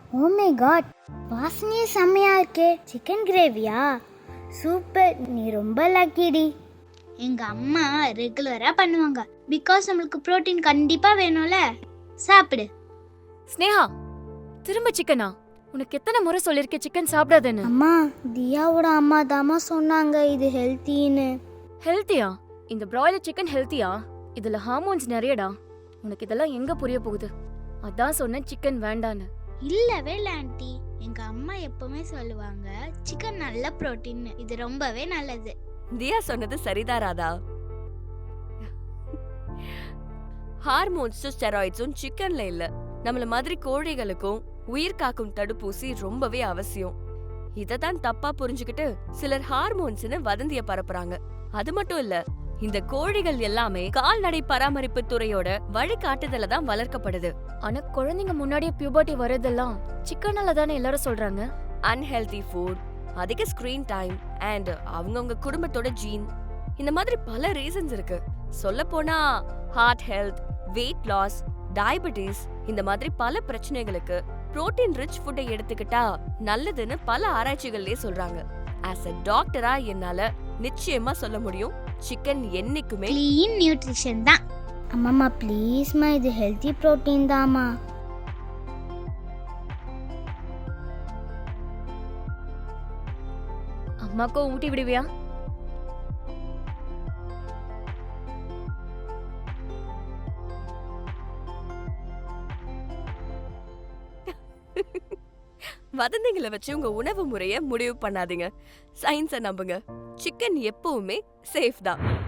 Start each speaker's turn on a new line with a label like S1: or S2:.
S1: Oh my God, வாசனையே செம்மையா இருக்கே. சிக்கன் கிரேவியா? சூப்பர், நீ ரொம்ப லக்கிடி. எங்க அம்மா ரெகுலரா பண்ணுவாங்க. பிகாஸ் நம்மளுக்கு புரோட்டீன் கண்டிப்பா வேணும்ல. சாப்பிடு.
S2: ஸ்னேஹா, திரும்ப சிக்கனா? உனக்கு எத்தனை முறை சொல்லிருக்கேன் சிக்கன் சாப்பிடாதேன்னு.
S1: அம்மா, தியாவோட அம்மா தாமா சொன்னாங்க இது ஹெல்த்தின்னு.
S2: ஹெல்த்தியா? இந்த பிராய்லர் சிக்கன் ஹெல்த்தியா? இதுல ஹார்மோன்ஸ் நிறையடா. உனக்கு இதெல்லாம் எங்க புரிய போகுது? அதான் சொன்னேன் சிக்கன் வேண்டான்னு.
S1: இல்லவே இல்ல ஆண்டி, எங்க அம்மா எப்பவுமே சொல்லுவாங்க சிக்கன் நல்ல புரோட்டீன், இது ரொம்பவே நல்லது.
S3: தியா சொன்னது சரிதான் ராதா. ஹார்மோன்ஸும் ஸ்டெராய்ட்ஸும் சிக்கன்ல இல்ல. நம்மள மாதிரி கோழிகளுக்கும் உயிர் காக்கும் தடுப்பூசி ரொம்பவே அவசியம். இததான் தப்பா புரிஞ்சுக்கிட்டு சிலர் ஹார்மோன்ஸ்னு வதந்திய பரப்புறாங்க. அது மட்டும் இல்ல, இந்த கோழிகள் எல்லாமே கால்நடை பராமரிப்பு துறையோட வழிகாட்டுதல தான் வளர்க்கப்படுது.
S2: ஆனா குழந்தைங்க முன்னாடியே பியூபர்ட்டி வரதெல்லாம் சிக்கனால தானே எல்லாரும் சொல்றாங்க.
S3: அன்ஹெல்தி ஃபுட், அதிக ஸ்கிரீன் டைம் அண்ட் அவங்கவுங்க குடும்பத்தோட ஜீன், இந்த மாதிரி பல ரீசன்ஸ் இருக்கு. சொல்ல போனா heart health, weight loss, diabetes, இந்த மாதிரி பல பிரச்சனைகளுக்கு புரோட்டீன் ரிச் ஃபுட்டை எடுத்துக்கிட்டா நல்லதுன்னு பல ஆராய்ச்சிகள்லயே சொல்றாங்க. ஆஸ் அ டாக்டரா என்னால நிச்சயமா சொல்ல முடியும், சிக்கன் என்னைக்குமே
S1: க்ளீன் நியூட்ரிஷன் தான். அம்மாமா ப்ளீஸ்மா, இது ஹெல்த்தி புரோட்டீன் தாமா.
S2: அம்மாக்கும் ஊட்டி விடுவியா?
S3: வதந்திகளை வச்சு உங்க உணவு முறைய முடிவு பண்ணாதீங்க. சயின்ஸை நம்புங்க. சிக்கன் எப்பவுமே சேஃப் தான்.